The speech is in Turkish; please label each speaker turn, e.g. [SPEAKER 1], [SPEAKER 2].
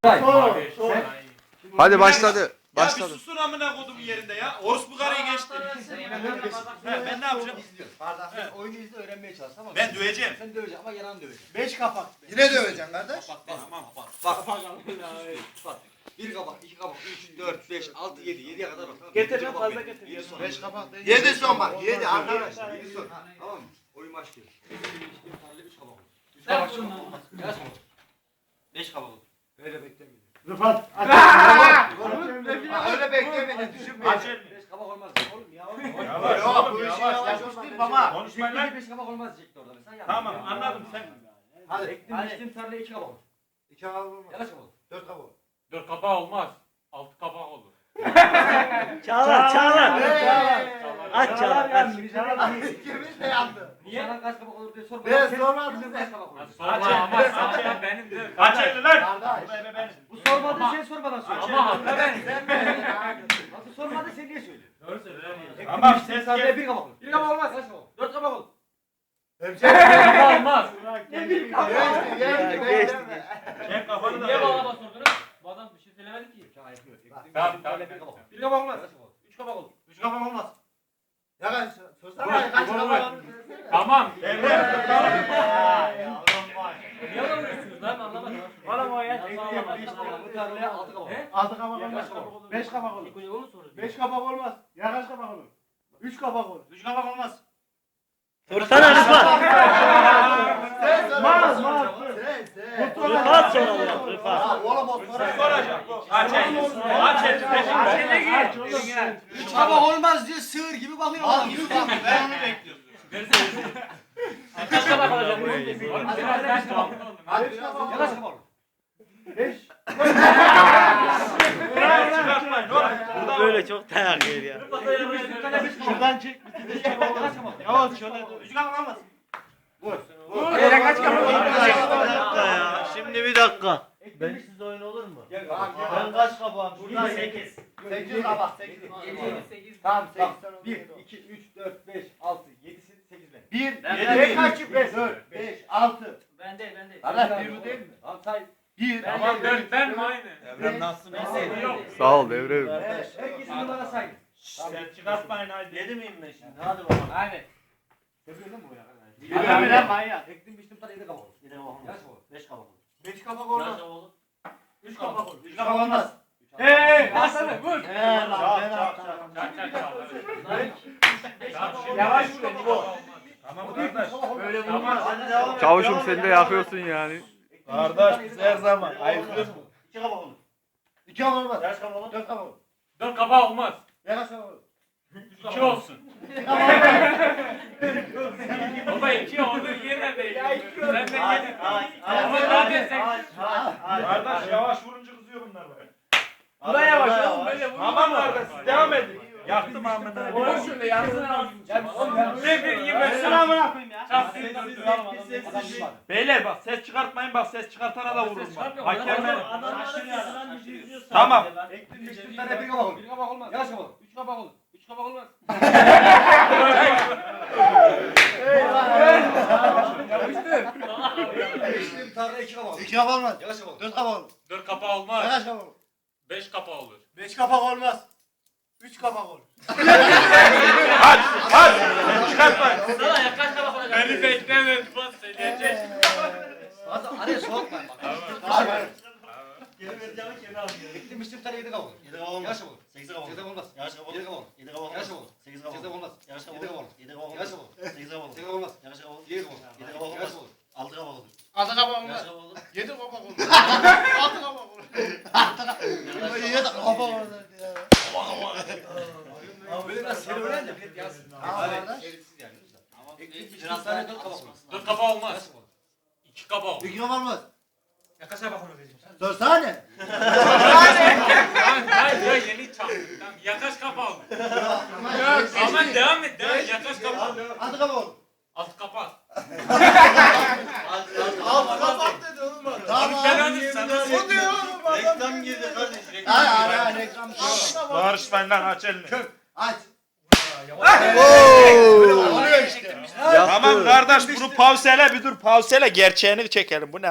[SPEAKER 1] Hadi başladı.
[SPEAKER 2] Ya bir
[SPEAKER 1] Başladı.
[SPEAKER 2] susun amına kodumun yerinde ya. Orus bu karayı geçti. Ben ne yapacağım?
[SPEAKER 3] Bardak oyunu izle öğrenmeye çalış tamam mı?
[SPEAKER 2] Ben döveceğim.
[SPEAKER 3] Sen döveceksin ama yalan döveceksin.
[SPEAKER 4] 5 kapak.
[SPEAKER 3] Yine döveceksin kardeş.
[SPEAKER 2] Tamam.
[SPEAKER 3] Bak. Bak. 1 kapak, 2 kapak, 3, 4, 5, 6, 7. 7'ye kadar bak. Tamam.
[SPEAKER 4] Getir,
[SPEAKER 3] Yedi
[SPEAKER 4] fazla
[SPEAKER 3] kapak benim.
[SPEAKER 4] getir.
[SPEAKER 3] Yedi son.
[SPEAKER 4] 5 kapak değil.
[SPEAKER 3] 7 son bak. 7 arkadaşlar. 7 son. Tamam mı? Oyun başlıyor. 3 kapak olur. 3 kapak çok olmaz. Kaç kapak? 5 kapak olur. Öyle beklemiyorum.
[SPEAKER 4] Rıfat.
[SPEAKER 3] Öyle beklemedin. Düşünme. 5 kapak olmaz. Oğlum ya.
[SPEAKER 4] Yok bu işi yavaş değil baba.
[SPEAKER 2] Konuşmayın lan.
[SPEAKER 3] 5 kapak olmaz diyecekti orada. Sen yanlış.
[SPEAKER 2] Tamam anladım sen.
[SPEAKER 3] Hadi. Ektim biçtim tarlaya 2 kapak olur.
[SPEAKER 4] 2 kapak olmaz.
[SPEAKER 3] Kaç kapak olur?
[SPEAKER 4] 4 kapak olur.
[SPEAKER 5] 4 kapağı olmaz. 6 kapak olur.
[SPEAKER 6] Çağlar. Aç Çağlar.
[SPEAKER 4] İkimiz de yandı.
[SPEAKER 3] Sana kaç kapak olur diye sorma.
[SPEAKER 4] Ben sormadım
[SPEAKER 3] Bizim
[SPEAKER 4] sen.
[SPEAKER 3] kaç kapak olur?
[SPEAKER 5] Sorma ama sen benim de.
[SPEAKER 2] Kaç elli lan?
[SPEAKER 4] Kardeş.
[SPEAKER 3] Bu sormadığı şey sormadan söyle.
[SPEAKER 5] Ama haklı ben.
[SPEAKER 3] Nasıl sormadı sen niye söylüyorsun?
[SPEAKER 5] Doğru söylüyorsun.
[SPEAKER 2] Tamam ses
[SPEAKER 3] Sadece
[SPEAKER 2] gel.
[SPEAKER 3] 1 kapak olur. 1 kapak olmaz. Kaç kapak olur? 4 kapak olur.
[SPEAKER 5] Kapağı olmaz.
[SPEAKER 4] Ne bir kapak.
[SPEAKER 2] Çek kafanı da.
[SPEAKER 5] Niye bağlama sordunuz? Bu adam bir şey söylemedi ki.
[SPEAKER 3] Tamam. 1 kapak olur. 1 kapak olmaz. Kaç kapak olur? 3 kapak olur.
[SPEAKER 4] 3 kapak olmaz. Ya kaç? Sorsana kaç kapak olur?
[SPEAKER 5] Tamam.
[SPEAKER 2] Evet.
[SPEAKER 5] Niye bağlıyorsunuz lan anlamadım.
[SPEAKER 4] Oğlum o ya.
[SPEAKER 3] Bu tarlaya 6 kapak olur.
[SPEAKER 4] 6 kapak olmaz. 5 kapak olur.
[SPEAKER 5] İlk önce onu soruyoruz.
[SPEAKER 4] 5 kapak olmaz. Ya kaç kapak olur? 3 kapak olur.
[SPEAKER 2] 3 kapak olmaz.
[SPEAKER 6] Sorsana Rıfat.
[SPEAKER 4] Maz.
[SPEAKER 6] Rıfat soralım Rıfat.
[SPEAKER 3] Oğlum o
[SPEAKER 2] Soracağım. Kaç elli? Kaç elli?
[SPEAKER 3] 3 kapak olmaz diyor sığır gibi bakıyor. Al gibi bakıyor.
[SPEAKER 2] Ben onu bekliyorum.
[SPEAKER 5] Kaç kapak olacak? Oğlum biraz kaç kapak olur?
[SPEAKER 3] Ya kaç kapak olur?
[SPEAKER 4] 5.
[SPEAKER 2] Çıkartmayın oğlum. Burada
[SPEAKER 6] Böyle çok dayak yer ya.
[SPEAKER 4] Şuradan çek.
[SPEAKER 3] Kaç kapak olur?
[SPEAKER 4] Yavaş şöyle. 3 kapak olmaz.
[SPEAKER 3] Nereye kaç kapak olur?
[SPEAKER 6] Bir dakika ya. Şimdi bir dakika. Bensiz oyun olur mu? Ben kaç kabağım?
[SPEAKER 4] Buradan 8. 8 kapak. 8. Tamam 8.
[SPEAKER 3] 1, 2, 3, 4, 5, 6, 7, 8 ben.
[SPEAKER 4] 1.
[SPEAKER 3] Ben
[SPEAKER 4] 7 kaç? 5. 4. 5. 6.
[SPEAKER 5] Ben de.
[SPEAKER 3] Kardeş 1 bu değil mi? Tamam say.
[SPEAKER 4] 1.
[SPEAKER 5] Tamam 4 ben mi aynı?
[SPEAKER 2] Evren nasılsın?
[SPEAKER 5] Yok.
[SPEAKER 1] Sağ ol devrim.
[SPEAKER 3] Herkesin numara say.
[SPEAKER 2] Sen çıkartmayın haydi.
[SPEAKER 6] 7 miyim ben şimdi? Hadi bakalım.
[SPEAKER 3] Aynen. Yapıyor değil mi bu ya?
[SPEAKER 4] Yürü lan manyak.
[SPEAKER 3] Ektim biçtim tar 7 kapak olur.
[SPEAKER 6] 7 kabak
[SPEAKER 3] Kaç
[SPEAKER 6] olmaz.
[SPEAKER 3] kapak olur?
[SPEAKER 6] 5 kabak olur.
[SPEAKER 4] 5 kapak
[SPEAKER 6] Kaç
[SPEAKER 4] olmaz.
[SPEAKER 6] kabak olur?
[SPEAKER 4] 3 kapak olur.
[SPEAKER 2] 3 kapak olmaz.
[SPEAKER 5] Hey aslanım vur.
[SPEAKER 4] Yavaş vur bu.
[SPEAKER 2] Tamam kardeş.
[SPEAKER 4] Böyle vurmaz. Hadi devam et.
[SPEAKER 1] Çavuşum sen de yakıyorsun yani.
[SPEAKER 2] Kardeş biz her zaman ayıkıyoruz.
[SPEAKER 4] 2 kapak olur. 2 kapak olmaz.
[SPEAKER 6] Kaç kabak olur?
[SPEAKER 4] 4 kapak olur.
[SPEAKER 5] 4 kapağı olmaz.
[SPEAKER 4] Ya kaç kapak olur?
[SPEAKER 5] 2 olsun. Baba 2 olur yine değil. Sen de yedin. Ama zaten sen.
[SPEAKER 2] Kardeş yavaş vurunca kızıyor bunlar bak.
[SPEAKER 5] Ulan yavaş oğlum böyle vur.
[SPEAKER 2] Tamam kardeş siz devam edin. Yaktım amına.
[SPEAKER 5] Vur şöyle yansın. Ne bir iyi ben
[SPEAKER 4] Sıramı koyayım ya.
[SPEAKER 2] Beyler bak ses çıkartmayın bak ses çıkartana da vururum bak. Hakemler.
[SPEAKER 6] Tamam.
[SPEAKER 3] Ektim biçtim tar 1 kapak olur. 1 kapak olmaz. Kaç kapak olur? 3 kapak olur. 3 kapak olmaz. Biçtim tar 2 kapak olur.
[SPEAKER 4] 2 kapak olmaz.
[SPEAKER 3] Kaç kapak olur?
[SPEAKER 4] 4 kapak olur.
[SPEAKER 5] 4 kapağı
[SPEAKER 4] Ya
[SPEAKER 5] olmaz.
[SPEAKER 4] kaç kapak olur?
[SPEAKER 5] 5 kapağı olur.
[SPEAKER 4] 5 kapak olmaz. 3 kapak olur.
[SPEAKER 2] Hadi hadi. Çıkartmayın.
[SPEAKER 5] Sana ya kaç kapak olacak? Beni beklemedim. Bas söyleyecek.
[SPEAKER 3] Hadi araya soğutmayın bak.
[SPEAKER 4] Tamam.
[SPEAKER 6] Geri vereceğimi geri aldım.
[SPEAKER 3] Ektim biçtim tar 7 kapak olur.
[SPEAKER 6] 7 kabak olmaz.
[SPEAKER 3] Kaç kapak olur?
[SPEAKER 6] 8 kabak
[SPEAKER 3] 8
[SPEAKER 6] olur.
[SPEAKER 3] kapak olmaz.
[SPEAKER 6] Yarış kabak
[SPEAKER 3] 7
[SPEAKER 6] olur.
[SPEAKER 3] kapak olur.
[SPEAKER 6] 7 kabak
[SPEAKER 3] Yarış
[SPEAKER 6] olmaz.
[SPEAKER 3] kabak olur.
[SPEAKER 6] 8 kabak
[SPEAKER 3] 8
[SPEAKER 6] olur.
[SPEAKER 3] olmaz.
[SPEAKER 6] Yarış kabak
[SPEAKER 3] 7 kabak
[SPEAKER 6] olur.
[SPEAKER 3] olur.
[SPEAKER 6] 7 kabak
[SPEAKER 3] Yarış
[SPEAKER 6] olmaz.
[SPEAKER 3] kabak olur.
[SPEAKER 6] 8 kabak olur.
[SPEAKER 3] 8 olmaz.
[SPEAKER 6] Yarış kabak olur.
[SPEAKER 3] 7 kabak olur.
[SPEAKER 6] 7 kabak
[SPEAKER 3] Yarış
[SPEAKER 6] olmaz.
[SPEAKER 3] kabak olur.
[SPEAKER 6] 6 kabak olur.
[SPEAKER 4] 6 kapak olmaz.
[SPEAKER 6] Yarış kabak olur.
[SPEAKER 4] 7 kapak olur. 6 kapak olur. 7 kapak olur.
[SPEAKER 3] Böyle biraz seri öğren de millet yazsın.
[SPEAKER 4] Tamam.
[SPEAKER 3] Şeritsiz yani. Ektim biçtim tar 4 kapak olur.
[SPEAKER 5] 4 kapağı olmaz.
[SPEAKER 3] Kaç kapak olur?
[SPEAKER 5] 2 kapağı olur.
[SPEAKER 4] 2 kapak olmaz.
[SPEAKER 3] Ya kaç kapak olur diyeceğim.
[SPEAKER 4] Sorsana ne?
[SPEAKER 5] Hayır ya yeni çaktım. Tamam yakaş kapağı olur. Aman devam et devam et. Yakaş kapağı olur.
[SPEAKER 4] 6 kapak olur.
[SPEAKER 5] 6 kapağı.
[SPEAKER 4] 6 kapak dedi oğlum. Tamam.
[SPEAKER 5] Ben onu sana
[SPEAKER 4] O diyor oğlum.
[SPEAKER 6] Reklam girdi kardeş.
[SPEAKER 4] Ay reklam.
[SPEAKER 2] Bağırışmayın lan aç elini.
[SPEAKER 4] Aç.
[SPEAKER 1] Oo!
[SPEAKER 4] Oluyor işte.
[SPEAKER 2] Tamam kardeş bunu pavsele bir dur pavsele gerçeğini çekelim bu ne?